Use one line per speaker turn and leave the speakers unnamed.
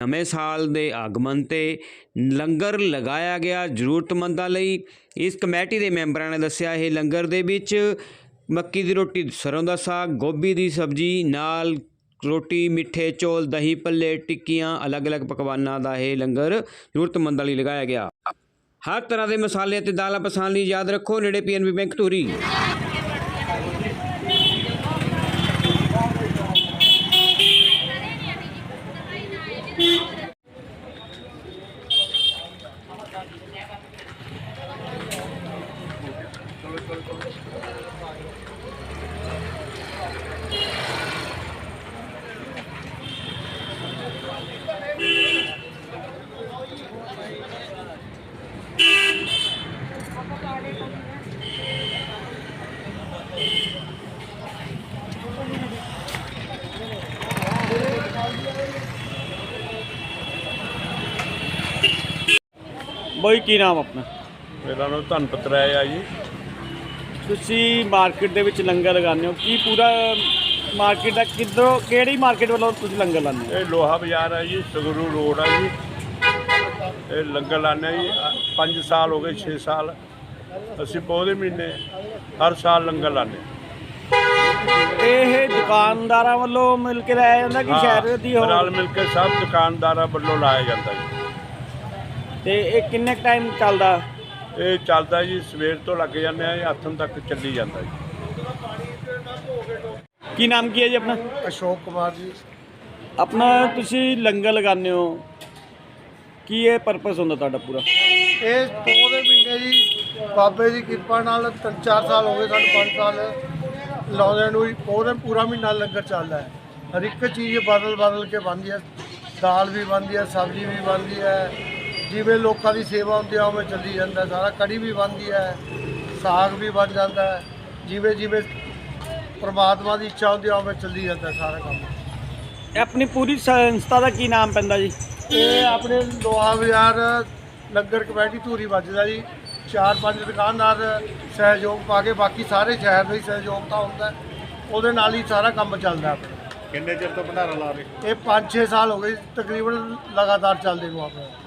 ਨਵੇਂ ਸਾਲ ਦੇ ਆਗਮਨ ਤੇ ਲੰਗਰ ਲਗਾਇਆ ਗਿਆ ਜ਼ਰੂਰਤਮੰਦਾਂ ਲਈ। ਇਸ ਕਮੇਟੀ ਦੇ ਮੈਂਬਰਾਂ ਨੇ ਦੱਸਿਆ ਇਹ ਲੰਗਰ ਦੇ ਵਿੱਚ ਮੱਕੀ ਦੀ ਰੋਟੀ, ਸਰੋਂ ਦਾ ਸਾਗ, ਗੋਭੀ ਦੀ ਸਬਜ਼ੀ ਨਾਲ ਰੋਟੀ, ਮਿੱਠੇ ਚੌਲ, ਦਹੀਂ ਭੱਲੇ, ਟਿੱਕੀਆਂ, ਅਲੱਗ-ਅਲੱਗ ਪਕਵਾਨਾਂ ਦਾ ਇਹ ਲੰਗਰ ਜ਼ਰੂਰਤਮੰਦਾਂ ਲਈ ਲਗਾਇਆ ਗਿਆ। ਹਰ ਤਰ੍ਹਾਂ ਦੇ ਮਸਾਲੇ ਅਤੇ ਦਾਲਾਂ ਪਸੰਦ ਲਈ ਯਾਦ ਰੱਖੋ ਨੇੜੇ PNB ਬੈਂਕ ਧੂਰੀ।
ਬਾਈ ਕੀ ਨਾਮ ਆਪਣਾ?
ਮੇਰਾ ਨਾਮ ਧਨਪਤ ਰਾਏ ਆ ਜੀ।
ਤੁਸੀਂ ਮਾਰਕੀਟ ਦੇ ਵਿੱਚ ਲੰਗਰ ਲਗਾਉਂਦੇ ਹੋ, ਕੀ ਪੂਰਾ ਮਾਰਕੀਟ ਦਾ ਕਿੱਧਰੋਂ, ਕਿਹੜੀ ਮਾਰਕੀਟ ਵੱਲੋਂ ਤੁਸੀਂ ਲੰਗਰ ਲਾਉਂਦੇ ਹੋ?
ਇਹ ਲੋਹਾ ਬਾਜ਼ਾਰ ਹੈ ਜੀ, ਸੰਗਰੂ ਰੋਡ ਆ ਜੀ। ਇਹ ਲੰਗਰ ਲਾਉਂਦੇ ਜੀ 5 ਸਾਲ ਹੋ ਗਏ, 6 ਸਾਲ। ਅਸੀਂ ਪੌਦੇ ਮਹੀਨੇ ਹਰ ਸਾਲ ਲੰਗਰ ਲਾਉਂਦੇ।
ਇਹ ਦੁਕਾਨਦਾਰਾਂ ਵੱਲੋਂ ਮਿਲ ਕੇ ਲਾਇਆ ਜਾਂਦਾ ਕਿ ਸ਼ਹਿਰ ਦੀ
ਨਾਲ ਮਿਲ ਕੇ ਸਭ ਦੁਕਾਨਦਾਰਾਂ ਵੱਲੋਂ ਲਾਇਆ ਜਾਂਦਾ ਜੀ।
ਤੇ ਇਹ ਕਿੰਨੇ ਟਾਈਮ ਚੱਲਦਾ?
ਇਹ ਚੱਲਦਾ ਜੀ ਸਵੇਰ ਤੋਂ ਲੱਗ ਜਾਂਦੇ ਆ, ਹੱਥਨ ਤੱਕ ਚੱਲੀ ਜਾਂਦਾ ਜੀ।
ਕੀ ਨਾਮ ਕੀ ਹੈ ਜੀ ਆਪਣਾ?
ਅਸ਼ੋਕ ਕੁਮਾਰ ਜੀ।
ਆਪਣਾ ਤੁਸੀਂ ਲੰਗਰ ਲਗਾਉਂਦੇ ਹੋ, ਕੀ ਇਹ ਪਰਪਸ ਹੁੰਦਾ ਤੁਹਾਡਾ ਪੂਰਾ?
ਇਹ ਪੌਦੇ ਮਹੀਨੇ ਜੀ ਬਾਬੇ ਦੀ ਕਿਰਪਾ ਨਾਲ 3-4 ਸਾਲ ਹੋ ਗਏ, ਸਾਨੂੰ 5 ਸਾਲ ਲਾਉਂਦੇ ਨੂੰ ਹੀ। ਪੌਦੇ ਪੂਰਾ ਮਹੀਨਾ ਲੰਗਰ ਚੱਲਦਾ ਹੈ। ਹਰ ਇੱਕ ਚੀਜ਼ ਬਦਲ ਕੇ ਬਣਦੀ ਹੈ। ਦਾਲ ਵੀ ਬਣਦੀ ਹੈ, ਸਬਜ਼ੀ ਵੀ ਬਣਦੀ ਹੈ, ਜਿਵੇਂ ਲੋਕਾਂ ਦੀ ਸੇਵਾ ਹੁੰਦੀ ਹੈ ਉਵੇਂ ਚੱਲੀ ਜਾਂਦਾ ਸਾਰਾ। ਕੜੀ ਵੀ ਬਣਦੀ ਹੈ, ਸਾਗ ਵੀ ਬਣ ਜਾਂਦਾ ਹੈ, ਜਿਵੇਂ ਜਿਵੇਂ ਪ੍ਰਮਾਤਮਾ ਦੀ ਇੱਛਾ ਹੁੰਦੀ ਹੈ ਉਵੇਂ ਚੱਲੀ ਜਾਂਦਾ ਸਾਰਾ ਕੰਮ।
ਇਹ ਆਪਣੀ ਪੂਰੀ ਸੰਸਥਾ ਦਾ ਕੀ ਨਾਮ ਪੈਂਦਾ ਜੀ?
ਇਹ ਆਪਣੇ ਲੋਹਾ ਬਾਜ਼ਾਰ ਲੰਗਰ ਕਮੇਟੀ ਧੂਰੀ ਵੱਜਦਾ ਜੀ। 4-5 ਦੁਕਾਨਦਾਰ ਸਹਿਯੋਗ ਪਾ ਕੇ, ਬਾਕੀ ਸਾਰੇ ਸ਼ਹਿਰ ਦਾ ਹੀ ਸਹਿਯੋਗ ਤਾਂ ਹੁੰਦਾ, ਉਹਦੇ ਨਾਲ ਹੀ ਸਾਰਾ ਕੰਮ ਚੱਲਦਾ ਆਪਣਾ।
ਕਿੰਨੇ ਚਿਰ ਤੋਂ ਭੰਡਾਰਾ ਲਾ ਰਹੇ?
ਇਹ 5-6 ਸਾਲ ਹੋ ਗਏ ਤਕਰੀਬਨ ਲਗਾਤਾਰ ਚੱਲਦੇ ਨੂੰ ਆਪਣੇ।